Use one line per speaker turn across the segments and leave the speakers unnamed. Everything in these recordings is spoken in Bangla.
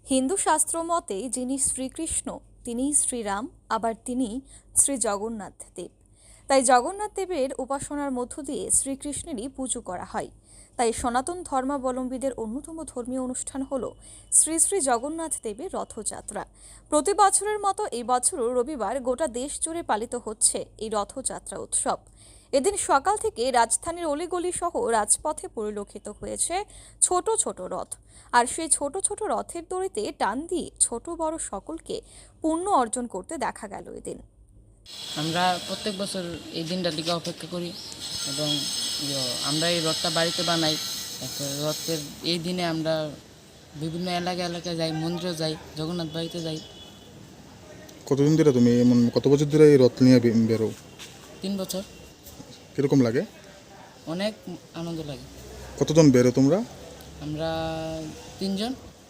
হিন্দু শাস্ত্র মতে যিনি শ্রীকৃষ্ণ তিনিই শ্রীরাম, আবার তিনি শ্রী জগন্নাথ দেব। তাই জগন্নাথ দেবের উপাসনার মধ্য দিয়ে শ্রীকৃষ্ণেরই পুজো করা হয়। তাই সনাতন ধর্মাবলম্বীদের অন্যতম ধর্মীয় অনুষ্ঠান হল শ্রী শ্রী জগন্নাথ দেবের রথযাত্রা। প্রতি বছরের মতো এই বছরও রবিবার গোটা দেশ জুড়ে পালিত হচ্ছে এই রথযাত্রা উৎসব। এদিন সকাল থেকে রাজধানীর অলিগলি সহ রাজপথে পরিলক্ষিত হয়েছে ছোট ছোট রথ। আর সেই ছোট ছোট রথের দড়িতে টান দিয়ে ছোট বড় সকলকে পুণ্য অর্জন করতে দেখা গেল এদিন।
আমরা প্রত্যেক বছর এই দিনটার দিকে অপেক্ষা করি এবং আমরা এই রথটা বাড়িতে বানাই। রথের এই দিনে আমরা বিভিন্ন এলাকায় যাই, মন্দিরে যাই, জগন্নাথ বাড়িতে যাই।
কতদিন ধরে তুমি কত বছর ধরে এই রথ নিয়ে বেরো?
3 বছর।
কিরকম লাগে?
অনেক আনন্দ লাগে।
কতজন বেরো তোমরা?
আমরা 3 জন।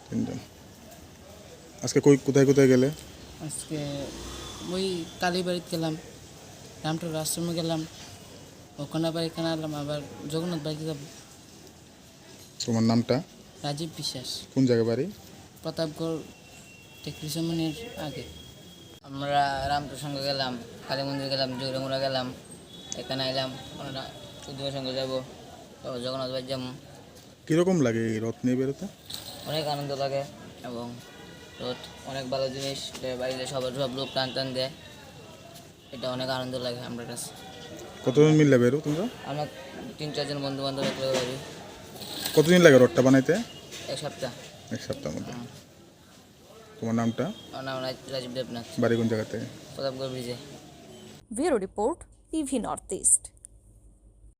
আজকে কোথায় কোথায় গেলে?
আজকে ওই কালীবাড়িতে গেলাম, রামটোর আশ্রমে গেলাম, ওখানে আবার এখানে আলাম, আবার জগন্নাথ বাড়িতে যাব।
তোমার নামটা?
রাজীব বিশ্বাস।
কোন জায়গা বাড়ি?
প্রতাপগড় টেকরিসামনির আগে।
আমরা রামটোর সঙ্গে গেলাম, কালী মন্দির গেলাম, জৌরামুড়া গেলাম, এখানে এলাম, আমরা চৌধুরীর সঙ্গে যাবো, জগন্নাথ বাড়ি যাবো।
কীরকম লাগে এই রথ নিয়ে বেরোতে?
অনেক আনন্দ লাগে এবং রথ অনেক ভালো জিনিস, বাড়িতে সব লোক টান দেয়, এটা অনেক আনন্দ লাগে আমার কাছে।
কতজন মিললে বেরো তোমরা?
আমরা 3-4 জন বন্ধু বান্ধব একলে বাড়ি।
কতদিন লাগে রথটা বানাইতে?
1 সপ্তাহ।
1 সপ্তাহের মধ্যে। তোমার নামটা?
আমার নাম রাজীব দেবনাথ।
বাড়ি কোন জায়গাতে?
প্রতাপগড় ব্রিজে।
Bureau report, TV north east.